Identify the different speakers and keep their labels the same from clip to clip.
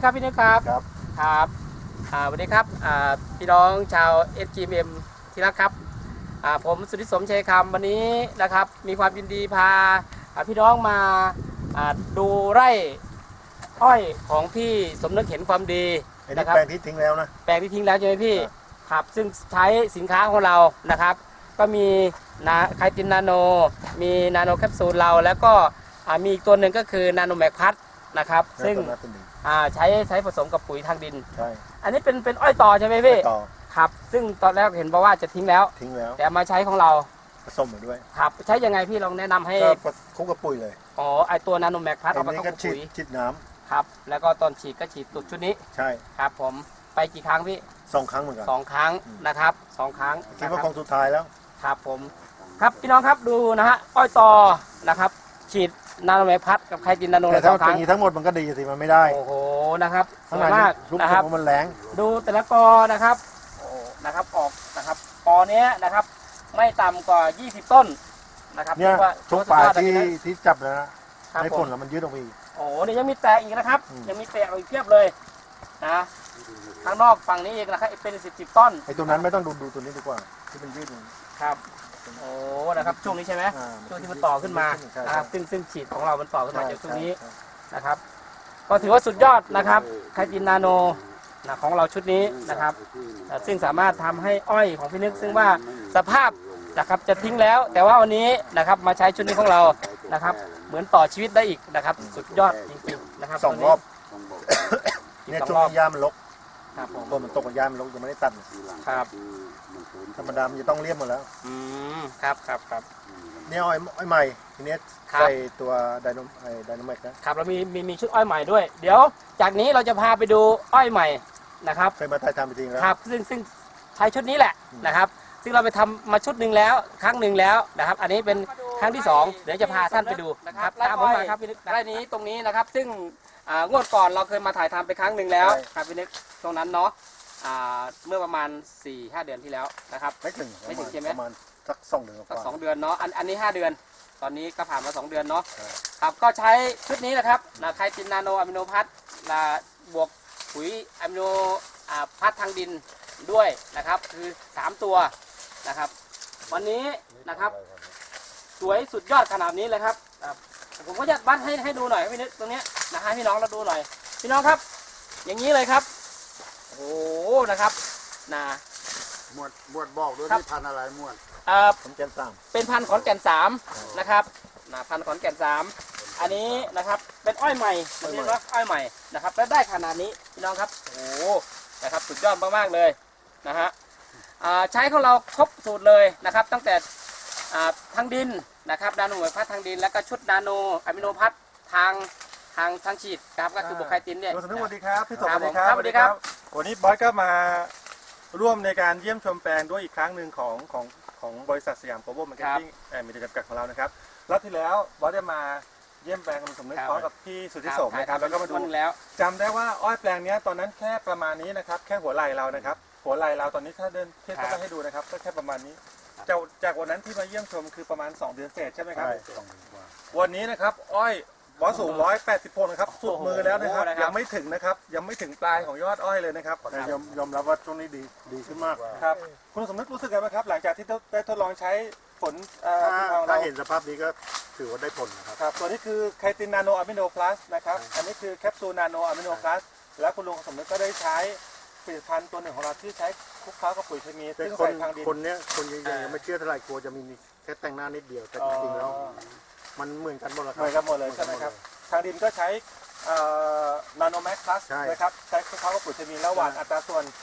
Speaker 1: ครับพี่นึกครับ
Speaker 2: ครับ
Speaker 1: ครับสวัสดีครับพี่น้องชาว SGM ที่รักครับผมสุทธิสมชัยคำวันนี้นะครับมีความยินดีพาพี่น้องมาดูไร่อ้อยของพี่สมนึกเห็นความดี
Speaker 2: อันนี้
Speaker 1: นะครับ
Speaker 2: แปลงที่ทิ้งแล้วนะ
Speaker 1: แปลงที่ทิ้งแล้วใช่ไหมพี่ครับซึ่งใช้สินค้าของเรานะครับก็มีไคตินนาโนมีนาโนแคปซูลเราแล้วก็มีอีกตัวหนึ่งก็คือนาโนแมกพัทนะครับซึ่งใช้ผสมกับปุ๋ยทางดิน
Speaker 2: ใช่
Speaker 1: อันนี้เป็นอ้อยต่อใช่ไหมพี่
Speaker 2: ต่อ
Speaker 1: ครับซึ่งตอนแรกเห็นบอกว่าจะทิ้งแล้วแต่มาใช้ของเรา
Speaker 2: ผสมมาด้วย
Speaker 1: ครับใช้ยังไงพี่ลองแนะนำให้
Speaker 2: ก็คลุกกับปุ๋ยเลย
Speaker 1: อ๋อไอตัวนาโนแมกพัทเอาไป
Speaker 2: เข้ากับปุ๋ยฉีดน้
Speaker 1: ำครับแล้วก็ตอนฉีดก็ฉีดตุดชุดนี้
Speaker 2: ใช่
Speaker 1: ครับผมไปกี่ครั้งพี่
Speaker 2: 2 ครั้งเหมือนกัน
Speaker 1: 2 ครั้งนะครับ2 ครั้ง
Speaker 2: คิดว่าคงสุดท้ายแล้ว
Speaker 1: ครับผมครับพี่น้องครับดูนะฮะอ้อยต่อนะครับฉีดนาโนแมกพัทกับไคตินนาโน
Speaker 2: แต่ถ้าอย่างนี้ทั้งหมดมันก็ดีสิมันไม่ได้
Speaker 1: โอ้โหนะครับสวย
Speaker 2: ม
Speaker 1: าก
Speaker 2: นะครับมันแรง
Speaker 1: ดูแต่ละกอนะครับโอ้นะครับออกนะครับกอเนี้ยนะครับไม่ต่ำกว่า20 ต้นนะครับ
Speaker 2: เนี่ยทุกป่าที่จับแล้วนะในผลแล้วมันยืดออกไปอีก
Speaker 1: โอ้เนี่ยยังมีแตกอีกนะครับยังมีแตกอีกเพียบเลยนะข้างนอกฝั่งนี้อีกนะครับเป็น10 ต้น
Speaker 2: ไอ้ตัวนั้นไม่ต้องดูตัวนี้ดีกว่าที่มันยืด
Speaker 1: ครับโอ้นะครับช่วงนี้ใช่ไหมช่วงที่มันต่อขึ้นมานะครับซึ่งฉีดของเรามันต่อขึ้นมาจากช่วงนี้นะครับก็ถือว่าสุดยอดนะครับไคตินนาโนของเราชุดนี้นะครับซึ่งสามารถทำให้อ้อยของพี่นึกซึ่งว่าสภาพนะครับจะทิ้งแล้วแต่ว่าวันนี้นะครับมาใช้ชุดนี้ของเรานะครับเหมือนต่อชีวิตได้อีกนะครับสุดยอดจริงๆนะครับ
Speaker 2: 2 รอบเนี่ยช่วงหญ้ามันรก
Speaker 1: ครับผม
Speaker 2: ต้นมันตกกับหญ้ามันรกยังไม่ได้ตัด
Speaker 1: ครับ
Speaker 2: ธรรมดามันจะต้องเลี่ยมหมดแล้ว
Speaker 1: ครับ
Speaker 2: เนี่ยอ้อยใหม่ทีนี้ใส่ตัวไดโนแมก
Speaker 1: นะครับเรามีชุดอ้อยใหม่ด้วยเดี๋ยวจากนี้เราจะพาไปดูอ้อยใหม่นะครับ
Speaker 2: เคยมาถ่ายทำไปจริงแล้ว
Speaker 1: ครับซึ่งใช้ชุดนี้แหละนะครับซึ่งเราไปทำมาชุดหนึ่งแล้วครั้งหนึ่งแล้วนะครับอันนี้เป็นครั้งที่2เดี๋ยวจะพาท่านไปดูนะครับตามผมมาครับพี่นึกไร่นี้ตรงนี้นะครับซึ่งงวดก่อนเราเคยมาถ่ายทำไปครั้งหนึ่งแล้วครับพี่นึกตรงนั้นเนาะเมื่อประมาณ 4-5 เดือนที่แล้วนะครับ
Speaker 2: ไม่ถึง
Speaker 1: ใช่ไหม
Speaker 2: ประมาณสัก2 เดือน
Speaker 1: สัก2 เดือนเนาะอันนี้5 เดือนตอนนี้ก็ผ่านมา2 เดือนเนาะครับก็ใช้ชุดนี้นะครับไคตินนาโนอะมิโนพัทบวกปุ๋ยอะมิโนพัททางดินด้วยนะครับคือ3 ตัวนะครับวันนี้นะครับสวยสุดยอดขนาดนี้เลยครับผมก็จะวัดให้ดูหน่อยพี่นึกตรงนี้นะให้พี่น้องเราดูหน่อยพี่น้องครับอย่างนี้เลยครับโอ้นะครับ
Speaker 2: หมวดบอกด้วยที่พันอะไรหมวดขอนแก่น3
Speaker 1: เป็นพันขอนแก่น3นะครับพันขอนแก่น3อันนี้นะครับเป็นอ้อยใหม่เรียกว่าอ้อยใหม่นะครับและได้ขนาดนี้พี่น้องครับโอ้นะครับสุดยอดมากๆเลยนะฮะใช้ของเราครบสูตรเลยนะครับตั้งแต่ทางดินนะครับนาโนแมกพัททางดินแล้วก็ชุดนาโนอะมิโนพัททางฉีดครับก็คือบวกไคตินเนี่ย
Speaker 3: สวัสดีครับพี่สมสวัสดี
Speaker 1: ครับสวัสดีครับ
Speaker 3: วันนี้บอสก็มาร่วมในการเยี่ยมชมแปลงด้วยอีกครั้งหนึ่งของบริษัทสยามโกลบอลมาร์เก็ตติ้งมีจำกัดของเรานะครับรอบที่แล้วบอสได้มาเยี่ยมแปลงคุณสมนึกพร้อมกับพี่สุทธิสมนะครับแล้วก็มาดูจำได้ว่าอ้อยแปลงนี้ตอนนั้นแค่ประมาณนี้นะครับแค่หัวไหล่เรานะครับหัวไหล่เราตอนนี้ถ้าเดินเทียบกันให้ดูนะครับก็แค่ประมาณนี้จากวันนั้นที่มาเยี่ยมชมคือประมาณ2 เดือนเศษใช่ไหมครับวันนี้นะครับอ้อยบอสสูง180 โพนนะครับสุดมือแล้วนะครับยังไม่ถึงนะครับยังไม่ถึงปลายของยอดอ้อยเลยนะครับ
Speaker 2: ยอมรับว่าช่วงนี้ดีขึ้นมาก
Speaker 3: ครับคุณสมนึกรู้สึกไงบ้างครับหลังจากที่ได้ทดลองใช้ผล
Speaker 2: ถ้าเห็นสภาพนี้ก็ถือว่าได้ผล
Speaker 3: นะครับตัวนี้คือไคตินนาโนอะมิโนพลัสนะครับอันนี้คือแคปซูลนาโนอะมิโนพลัสแล้วคุณลุงสมนึกก็ได้ใช้ผลิตภัณฑ์ตัวหนึ่งของเราที่ใช้คลุกเคล้ากับปุ๋ยเคมี
Speaker 2: ซึ่งใส่ทางดินคนยังไม่เชื่อเท่าไหร่กลัวจะมีแค่แต่งหน้านิดเดียวแต่จริงๆแล้วมันเหมือนกันหมดเลย
Speaker 3: เหมือนกันหมดเลยใช่ไหมครับทางดินก็ใช้นาโนแมกพลัสนะครับใช้คลุกเคล้ากับปุ๋ยเคมีแล้วหว่านอัตราส่วน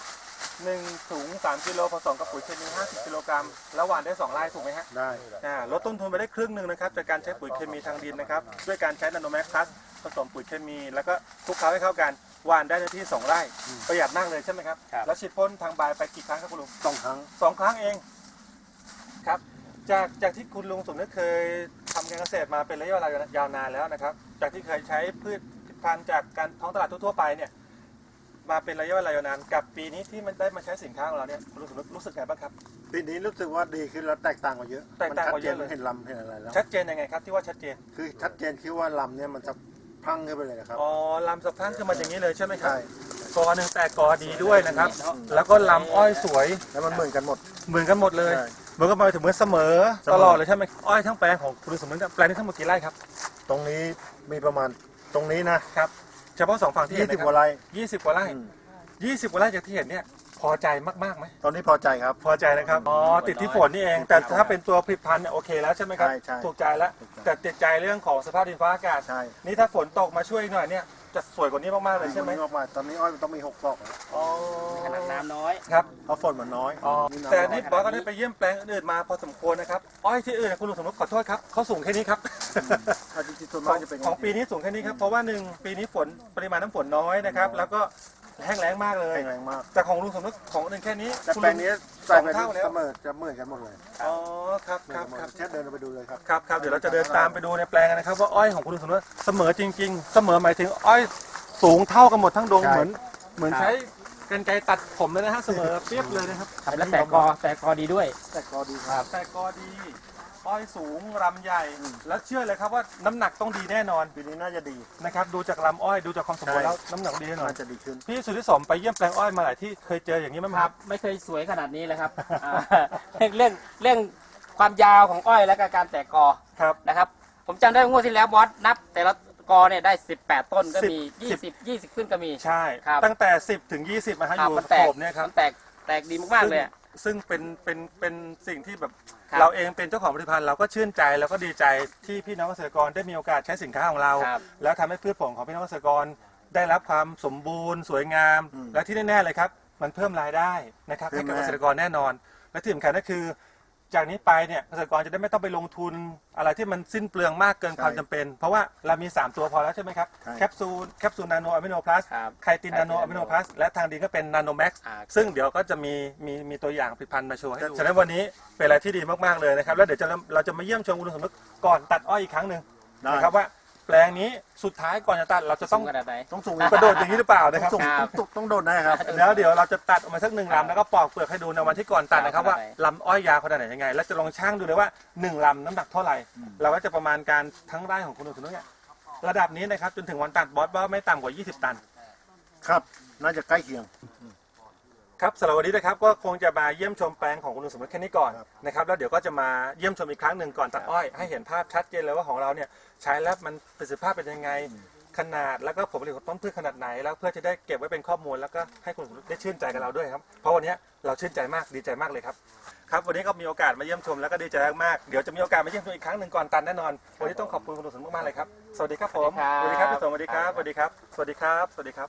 Speaker 3: 1 ถุง 3 กิโลผสมกับปุ๋ยเคมี50 กิโลกรัมแล้วหว่านได้2 ไร่ถูกไหมฮะ
Speaker 2: ได้
Speaker 3: ลดต้นทุนไปได้ครึ่งหนึ่งนะครับจากการใช้ปุ๋ยเคมีทางดินนะครับด้วยการใช้นาโนแมกพลัสผสมปุ๋ยเคมีแล้วก็คลุกเคล้าให้เข้ากันหว่านได้ในที่2 ไร่ประหยัดมากเลยใช่ไหมครับแล้วฉีดพ่นทางใบไปกี่ครั้งครับคุณลุง
Speaker 2: 2 ครั้ง
Speaker 3: 2 ครั้งเองครับจากที่คุณลุงสมนึกเคยทำการเกษตรมาเป็นระยะเวลายาวนานแล้วนะครับจากที่เคยใช้พืชพันธุ์จากการท้องตลาดทั่วไปเนี่ยมาเป็นระยะเวลายาวนานกับปีนี้ที่มันได้มาใช้สินค้าของเราเนี่ยคุณลุงสมนึกรู้สึกไงบ้างครับ
Speaker 2: ปีนี้รู้สึกว่าดีขึ้นแล้วแตกต่างกว่าเยอะ
Speaker 3: แตกต่างกว่าเยอะเลย
Speaker 2: เห็นลำเห็นอะไรแล้ว
Speaker 3: ชัดเจนยังไงครับที่ว่าชัดเจน
Speaker 2: คือชัดเจนคือว่าลำเนี่ยมันจะพังขึ้นไปเลยนะครับ
Speaker 3: อ๋อลำสะพรั่งขึ้นมาอย่างนี้เลยใช่ไหมครับ
Speaker 2: ใช่
Speaker 3: กอหนึ่งแต่กอดีด้วยนะครับ แล้วก็ลำอ้อยสวย
Speaker 2: แล้วมันเหมือนกันหมด
Speaker 3: เหมือนกันหมดเลย
Speaker 2: ใช่
Speaker 3: เหมือนกันมาถึงเหมือนเสมอ
Speaker 2: เสมอ
Speaker 3: ตลอดเลยใช่ไหมอ้อยทั้งแปลงของคุณลุงสมนึกแปลงนี้ทั้งหมดกี่ไร่ครับ
Speaker 2: ตรงนี้มีประมาณตรงนี้นะครับ
Speaker 3: เฉพาะสองฝั่งที่เห็น
Speaker 2: 20
Speaker 3: นะค
Speaker 2: กว่า
Speaker 3: รับ
Speaker 2: ไร่
Speaker 3: 20 กว่าไร่
Speaker 2: อืม
Speaker 3: 20 กว่าไร่จากที่เห็นเนี่ยพอใจมากๆไหม
Speaker 2: ตอนนี้พอใจครับ
Speaker 3: พอใจนะครับอ๋อติดที่ฝนนี่เอง แต่ถ้าเป็นตัวผลิตภัณฑ์เนี่ยโอเคแล้วใช่ไหมครับ
Speaker 2: ใช่ใช่
Speaker 3: ถูกใจแล้วแต่ติดใจเรื่องของสภาพดินฟ้าอากาศ
Speaker 2: ใช่
Speaker 3: นี่ถ้าฝนตกมาช่วยหน่อยเนี่ยจะสวยกว่านี้มากๆเลยใช่ไหม
Speaker 2: ตอนนี้ออกมาตอนนี้อ้อยมันต้องมี6 ซอกแล้ว
Speaker 3: อ๋อ
Speaker 1: ขนาดน้ำน้อย
Speaker 3: ครับ
Speaker 2: เพราะฝนมันน้อย
Speaker 3: อ๋อ
Speaker 2: ำ
Speaker 3: แต่
Speaker 2: อย
Speaker 3: นี่บอสก็ได้ไปเยี่ยมแปลงอื่นๆมาพอสมควรนะครับอ้อยที่อื่นคุณลุงสมนึกขอโทษครับเขาสูงแค่นี้ครับ
Speaker 2: อาจจะส่วน
Speaker 3: ข
Speaker 2: มา
Speaker 3: อก ง
Speaker 2: จะเป็น
Speaker 3: ของปีนี้สูงแค่นี้ครับเพราะว่าหนึ่งปีนี้ฝนปริมาณน้ำฝนน้อยนะครับแล้วก็แห้งแล้งมากเลย
Speaker 2: แรงมาก
Speaker 3: แต่ของลุงสมนึกของอื่นแค่นี้
Speaker 2: แต่
Speaker 3: คุณ
Speaker 2: แปล
Speaker 3: ลุ
Speaker 2: ง
Speaker 3: ง
Speaker 2: นี้
Speaker 3: ส
Speaker 2: ใส่
Speaker 3: อง
Speaker 2: ไป
Speaker 3: เท่าแล้ว
Speaker 2: เสมอจะเหมือนกันหมดเลย
Speaker 3: อ๋อครับ
Speaker 2: เหมื
Speaker 3: ค
Speaker 2: อน
Speaker 3: รับ
Speaker 2: กันหมด
Speaker 3: ครับ
Speaker 2: เช่นเดินไปดูเลยครับ
Speaker 3: ครับเดี๋ยวเราจะเดินตามไปดูในแปลงกันนะครับว่าอ้อยของคุณลุงสมนึกเสมอจริง ๆ เสมอหมายถึงอ้อยสูงเท่ากันหมดทั้งดง
Speaker 2: ใช่
Speaker 3: เหมือนใช้กรรไกรตัดผมเลยนะฮะเสมอเปรียบเลยนะครับ
Speaker 1: ครับแล้วแต่กอดีด้วย
Speaker 2: แต่ก็ดีครับ
Speaker 3: แต่กอดีอ้อยสูงรำใหญ่ แล้วเชื่อเลยครับว่าน้ำหนักต้องดีแน่นอน
Speaker 2: ปีนี้น่าจะดี
Speaker 3: นะครับดูจากลำอ้อยดูจากความสมบูรณ์
Speaker 2: ใช่
Speaker 3: แล้วน้ำหนักดีแน่นอน
Speaker 2: น่าจะดีขึ้น
Speaker 3: พี่สุทธิสมไปเยี่ยมแปลงอ้อยมาหลายที่เคยเจออย่างนี้ไหม
Speaker 1: ค
Speaker 3: ค
Speaker 1: รั
Speaker 3: รั
Speaker 1: บบ ไม่เคยสวยขนาดนี้เลยครับอ่าเรื่องความยาวของอ้อยและก็การแตกกอ
Speaker 3: ครับ
Speaker 1: นะครับ ผมจำได้ว่างวดที่แล้วบอสนับ แต่ละกอเนี่ยได้ 18 ต้นก็มี 20 ขึ้นก็มี
Speaker 3: ใช่
Speaker 1: ครับ
Speaker 3: ตั้งแต่ 10 ถึง 20นะฮะ
Speaker 1: ค
Speaker 3: อ
Speaker 1: รับ
Speaker 3: ยู่
Speaker 1: มันแตก
Speaker 3: โขบเนี่ยครับ
Speaker 1: มันแตกดีมากๆเลยอะ
Speaker 3: ซึ่งเป็นสิ่งที่แบบ
Speaker 1: ครับ
Speaker 3: เราเองเป็นเจ้าของผลิตภัณฑ์เราก็ชื่นใจแล้วก็ดีใจที่พี่น้องเกษตรกรได้มีโอกาสใช้สินค้าของเรา
Speaker 1: ครับ
Speaker 3: แล้วทำให้พืชผลของพี่น้องเกษตรกรได้รับความสมบูรณ์สวยงาม และที่แน่ๆเลยครับมันเพิ่มรายได้นะครับให้กับเกษตรกรแน่นอน และที่สำคัญก็คือ จากนี้ไปเนี่ยเกษตรกรจะได้ไม่ต้องไปลงทุนอะไรที่มันสิ้นเปลืองมากเกินความจำเป็น เพราะว่าเรามี 3 ตัวพอแล้วใช่ไหมครับ
Speaker 2: ใช่
Speaker 3: แคปซูลนาโนอะมิโนพลัส
Speaker 1: ครับ
Speaker 3: ไคตินนาโนอะมิโนพลัสและทางดีก็เป็นนาโนแม็กซ์
Speaker 1: อ่า
Speaker 3: ซึ่งเดี๋ยวก็จะมีตัวอย่างผลิตภัณฑ์มาโชว์ให้ดูฉะนั้นวันนี้เป็นอะไรที่ดีมากๆเลยนะครับแล้วเดี๋ยวเราจะมาเยี่ยมชมคุณลุงสมนึกก่อนตัดอ้อยอีกครั้งหนึ่ง
Speaker 2: ได้
Speaker 3: นะครับว่าแปลงนี้สุดท้ายก่อนจะตัดเราจะต้อง
Speaker 1: ขนาดไหน
Speaker 2: ต้องสูง
Speaker 3: กระโดดอย่างนี้หรือเปล่านะครับ
Speaker 2: ต้องสูง
Speaker 1: ครับ
Speaker 2: ต้องโดดนะครับ
Speaker 3: แล้วเดี๋ยวเราจะตัดออกมาสัก1 ลำแล้วก็ปอกเปลือกให้ดูในวันที่ก่อนตัดนะครับ
Speaker 1: ครับ
Speaker 3: ว่าลำอ้อยยาวขนาดไหนยังไง แล้วจะลองชั่งดูเลยว่า1 ลำน้ำหนักเท่าไหร่ เราก็จะประมาณการทั้งไร่ของคุณลุงสมนึกเนี่ยระดับนี้นะครับจนถึงวันตัดบอสว่าไม่ต่ำกว่า 20 ตัน
Speaker 2: ครับ น่าจะใกล้เคียง
Speaker 3: ครับสำหรับวันนี้นะครับก็คงจะมาเยี่ยมชมแปลงของคุณลุงสมนึกแค่นี้ก่อน
Speaker 2: ครับ
Speaker 3: นะครับแล้วเดี๋ยวก็จะมาเยี่ยมชมอีกครั้งหนึ่งก่อนตัดอ้อยให้เห็นภาพชัดเจนเลยว่าของเราเนี่ยใช้แล้วมันประสิทธิภาพเป็นยังไงขนาดแล้วก็ผลผลิตของต้นพืชขนาดไหนแล้วเพื่อจะได้เก็บไว้เป็นข้อมูลแล้วก็ให้คุณลุงสมนึกได้ชื่นใจกับเราด้วยครับเพราะวันนี้เราชื่นใจมากดีใจมากเลยครับครับวันนี้ก็มีโอกาสมาเยี่ยมชมแล้วก็ดีใจมากๆเดี๋ยวจะมีโอกาสมาเยี่ยมชมอีกครั้งหนึ่งก่อนตัดแน่นอนวันนี้ต้องขอบคุณคุณลุงสมนึกมากๆเลยครับสวัสดีครับผม
Speaker 1: สวัสดีครับ
Speaker 3: พี่สมสวัสดีครับสวัสดีครับสวัสดีครับสวัสดีครับ